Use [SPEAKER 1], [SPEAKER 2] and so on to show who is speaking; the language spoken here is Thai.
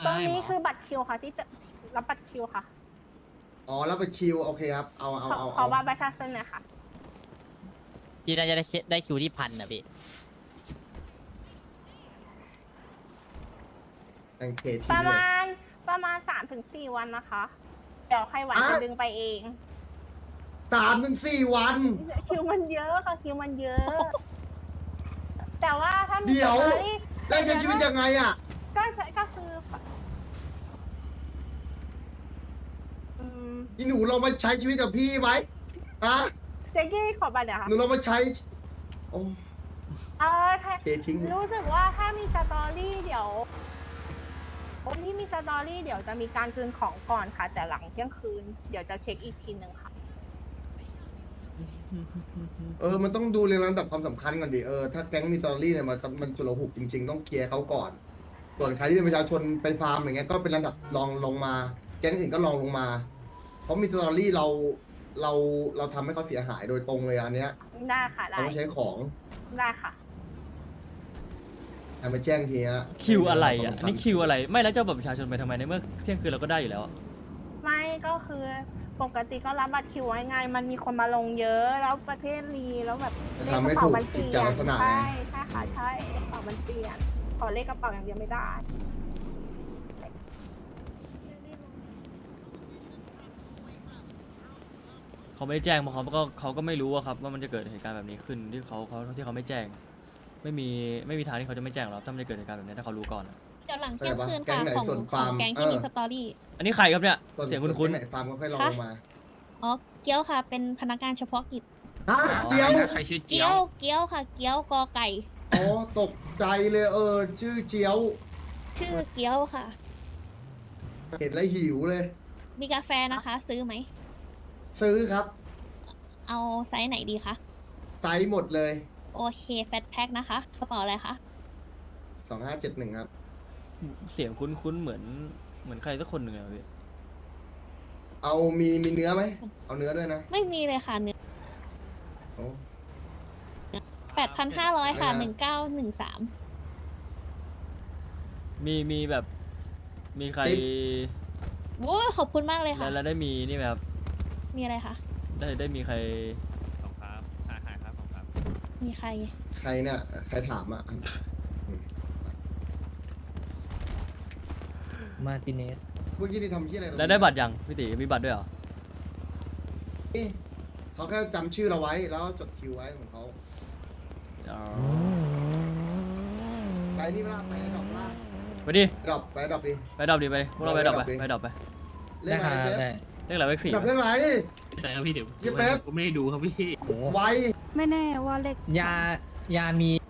[SPEAKER 1] ตรงนี้คือบัตรคิวค่ะที่จะรับบัตรคิวค่ะ
[SPEAKER 2] อ๋อแล้วไปคิวโอเคครับเอา
[SPEAKER 1] ขอบัตรประชาชนหน่อยค่ะ
[SPEAKER 3] พี่น่าจะได้คิวที่1,000นะพี่
[SPEAKER 2] แองเค
[SPEAKER 1] ป
[SPEAKER 2] ที
[SPEAKER 1] ระ
[SPEAKER 2] เลย
[SPEAKER 1] มาณ3 ถึง 4 วันนะคะ เดี๋ยวใครไหวจะดึงไปเอง
[SPEAKER 2] 3 ถึง 4 วัน
[SPEAKER 1] คิวมันเยอะค่ะคิวมันเยอะ แต่ว่าถ้ามี
[SPEAKER 2] เดี๋ยว
[SPEAKER 1] สตอรี่
[SPEAKER 2] แล้วใช้ชีวิตยังไงอ่ะ
[SPEAKER 1] ก็คืออืม
[SPEAKER 2] นี่หนูลองมาใช้ชีวิตกับพี่ไหมฮะ
[SPEAKER 1] เจ๊กี้ขอบัตรเดี๋ยวค่ะ
[SPEAKER 2] หนูลองมาใช้โอ้
[SPEAKER 1] ค่ะ
[SPEAKER 2] เททิ้ง
[SPEAKER 1] รู้สึกว่าถ้ามีสตอรี่เดี๋ยววันที่มีสตอรี่เดี๋ยวจะมีการคืนของก่อนค่ะ แต่หลังเที่ยงคืนเดี๋ยวจะเช็คอีกทีหนึ่งค่ะ
[SPEAKER 2] มันต้องดูเรียงลำดับความสำคัญก่อนดิถ้าแก๊งมีตอรี่เนี่ยมันสุรหุกจริงๆต้องเคลียร์เขาก่อน ส่วนใครที่เป็นประชาชนไปฟาร์มอย่างเงี้ยก็เป็นระดับรองลงมา แก๊งอื่นก็รองลงมา เพราะมีสตอรี่เราทำให้เขาเสียหายโดยตรงเลยอันเนี้ย
[SPEAKER 1] ได้ค่ะได้
[SPEAKER 2] เราไม่ใช้ของ
[SPEAKER 1] ได้ค่ะ
[SPEAKER 2] เอาไปแจ้งทีฮะ
[SPEAKER 4] คิวอะไรอ่ะอันนี่คิวอะไรไม่แล้วจะเอาบัตรประชาชนไปทำไมในเมื่อเที่ยงคืนเราก็ได้อยู่แล้วอะ
[SPEAKER 1] ไม่ก็คือปกติก็รับบัตรคิวไว้ไงมันมีคนมาลงเยอะแล้วประเทศรีแล้วแบบ
[SPEAKER 2] จะ
[SPEAKER 1] เลข
[SPEAKER 2] ทำ
[SPEAKER 1] ก
[SPEAKER 2] ให้
[SPEAKER 1] ระเป๋า
[SPEAKER 2] ถูก
[SPEAKER 1] มันเป
[SPEAKER 2] กิ
[SPEAKER 1] ลี่
[SPEAKER 2] จ
[SPEAKER 1] ย
[SPEAKER 2] จ
[SPEAKER 1] น
[SPEAKER 2] ลักษณะ
[SPEAKER 1] ใช่
[SPEAKER 2] ไง
[SPEAKER 1] ใช่ค่ะใช่กระเป๋ามันเปลี่ยนขอเลขกระเป๋าอย่างเดียวไม่ได้
[SPEAKER 4] เขาไม่ได้แจ้งเพราะเขาก็ไม่รู้อะครับว่ามันจะเกิดเหตุการณ์แบบนี้ขึ้นที่เขาไม่แจ้ง ไม่มีทางที่เขาจะไม่แจ้งหรอกถ้ามันจะเกิดเหตุการณ์แบบนี้ถ้าเขารู้ก่อนอะ
[SPEAKER 5] เดี๋ยวหลังเที่ยงคืน
[SPEAKER 2] แก๊
[SPEAKER 5] ค่ะ
[SPEAKER 2] งไหน
[SPEAKER 5] ของ
[SPEAKER 2] ส่วน
[SPEAKER 5] ของ
[SPEAKER 2] ฟาร์ม
[SPEAKER 5] แก๊งที่มีสตอรี่
[SPEAKER 4] อันนี้ใครครับเนี่ย
[SPEAKER 2] ส่วน
[SPEAKER 4] เสียงคุ้น
[SPEAKER 2] ไหนฟาร์มก็ค่อยลองลงมา
[SPEAKER 5] อ๋อ เกี้ยวค่ะ เป็นพนักงานเฉพาะกิจ
[SPEAKER 2] ฮะเจียว
[SPEAKER 6] ใครชื่อเจี
[SPEAKER 5] เกี้
[SPEAKER 6] ย
[SPEAKER 5] ยว ว เกี้ยวค่ะ เกี้ยวกอไก่
[SPEAKER 2] อ๋อตกใจเลยชื่อเจียว
[SPEAKER 5] ชื่อเกี้ยวค่ะ
[SPEAKER 2] เห็นแล้วหิวเลย
[SPEAKER 5] มีกาแฟนะคะ ซื้อไหม
[SPEAKER 2] ซื้อครับ
[SPEAKER 5] เอาไซส์ไหนดีคะ
[SPEAKER 2] ไซส์หมดเลย
[SPEAKER 5] โอเค แฟตแพ็คนะคะ กระเป๋าอะไรคะ
[SPEAKER 2] 2571ครับ
[SPEAKER 4] ๆเสียงคุ้นๆเหมือนใครสักคนหนึ่งอะพี่
[SPEAKER 2] เอามีเนื้อไหม เอาเนื้อด้วยนะ
[SPEAKER 5] ไม่มีเลยค่ะเนื้อ
[SPEAKER 2] โอ้
[SPEAKER 5] 8,500 ค่ะ
[SPEAKER 2] ไม่นะ
[SPEAKER 5] 1913
[SPEAKER 4] มีแบบมีใคร
[SPEAKER 5] โอ้ยขอบคุณมากเลยค่ะ
[SPEAKER 4] แล้วได้มีนี่ไหมครับ
[SPEAKER 5] มีอะไรคะ
[SPEAKER 4] ได้มีใคร
[SPEAKER 6] ครับหายครับผมครับ
[SPEAKER 5] มีใคร
[SPEAKER 2] ใครเนี่ย ใครถามอ่ะ
[SPEAKER 7] มาร์ติเนส
[SPEAKER 2] เมื่อกี้ที่ทำที่อะไร
[SPEAKER 4] แล้วได้บัตรยังพี่ตีมีบัตรด้วยเหรอ
[SPEAKER 2] เขาแค่จำชื่อเราไว้แล้วจดคิวไว้ของเขา
[SPEAKER 4] อ๋อ
[SPEAKER 2] ไปนี่เวลาไปดอกล่าง
[SPEAKER 4] ไปดิ
[SPEAKER 2] ไปดอกดิ
[SPEAKER 4] ไปดรอปดิไปพวกเราไปดรอปไป
[SPEAKER 2] ไป
[SPEAKER 4] ไปดรอปไป
[SPEAKER 2] เล่นอะไร
[SPEAKER 7] ได้
[SPEAKER 2] เป๊ป
[SPEAKER 7] ได้
[SPEAKER 4] เรียกอะไรเวกสี่
[SPEAKER 2] ดอกเล่นอะไร
[SPEAKER 6] แต่ครับพี่เดี๋ยว
[SPEAKER 2] เฮียแป๊บ
[SPEAKER 6] ผมไม่ได้ดูครับพี่
[SPEAKER 7] โอ้
[SPEAKER 2] ไว
[SPEAKER 8] ไม่แน่ว่าเลข
[SPEAKER 7] ยามี